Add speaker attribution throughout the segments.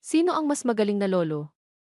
Speaker 1: Sino ang mas magaling na lolo?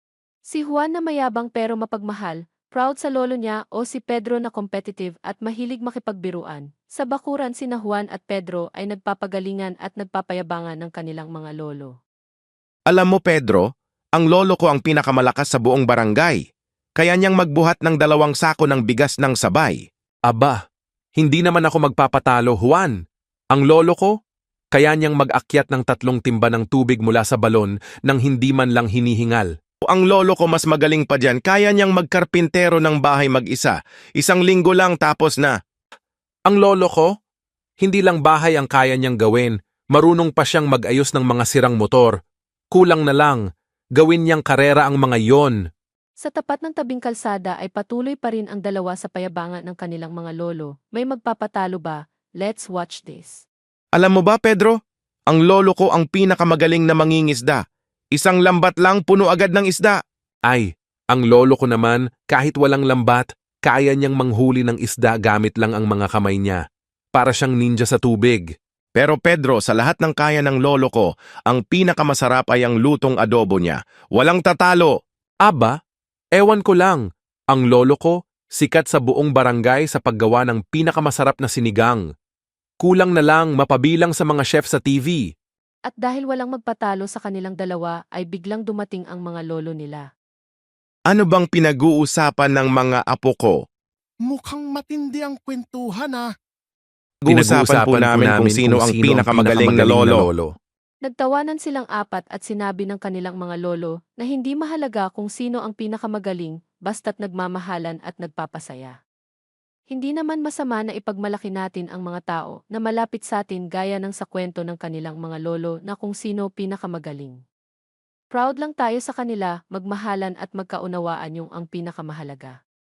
Speaker 1: Si Juan na mayabang pero mapagmahal, proud sa lolo niya o si Pedro na competitive at mahilig makipagbiruan? Sa bakuran sina Juan at Pedro ay nagpapagalingan at nagpapayabangan ng kanilang mga lolo.
Speaker 2: Alam mo Pedro, ang lolo ko ang pinakamalakas sa buong barangay. Kaya niyang magbuhat ng 2 sako ng bigas ng sabay.
Speaker 3: Aba, hindi naman ako magpapatalo, Juan. Ang lolo ko, kaya niyang mag-akyat ng 3 timba ng tubig mula sa balon nang hindi man lang hinihingal.
Speaker 2: Ang lolo ko mas magaling pa dyan, kaya niyang magkarpintero ng bahay mag-isa. 1 linggo lang tapos na.
Speaker 3: Ang lolo ko, hindi lang bahay ang kaya niyang gawin, marunong pa siyang mag-ayos ng mga sirang motor. Kulang na lang, gawin niyang karera ang mga yon.
Speaker 1: Sa tapat ng tabing kalsada ay patuloy pa rin ang dalawa sa payabangan ng kanilang mga lolo. May magpapatalo ba? Let's watch this.
Speaker 2: Alam mo ba Pedro, ang lolo ko ang pinakamagaling na mangingisda. 1 lambat lang puno agad ng isda.
Speaker 3: Ay, ang lolo ko naman, kahit walang lambat, kaya niyang manghuli ng isda gamit lang ang mga kamay niya. Para siyang ninja sa tubig.
Speaker 2: Pero Pedro, sa lahat ng kaya ng lolo ko, ang pinakamasarap ay ang lutong adobo niya. Walang tatalo.
Speaker 3: Aba, ewan ko lang, ang lolo ko, sikat sa buong barangay sa paggawa ng pinakamasarap na sinigang. Kulang na lang mapabilang sa mga chef sa TV.
Speaker 1: At dahil walang magpatalo sa kanilang dalawa ay biglang dumating ang mga lolo nila.
Speaker 2: Ano bang pinag-uusapan ng mga apo ko?
Speaker 4: Mukhang matindi ang kwentuhan ah.
Speaker 2: Pinag-uusapan po namin kung sino ang pinakamagaling na lolo.
Speaker 1: Nagtawanan silang apat at sinabi ng kanilang mga lolo na hindi mahalaga kung sino ang pinakamagaling basta't nagmamahalan at nagpapasaya. Hindi naman masama na ipagmalaki natin ang mga tao na malapit sa atin gaya ng sa kwento ng kanilang mga lolo na kung sino pinakamagaling. Proud lang tayo sa kanila, magmahalan at magkaunawaan yung ang pinakamahalaga.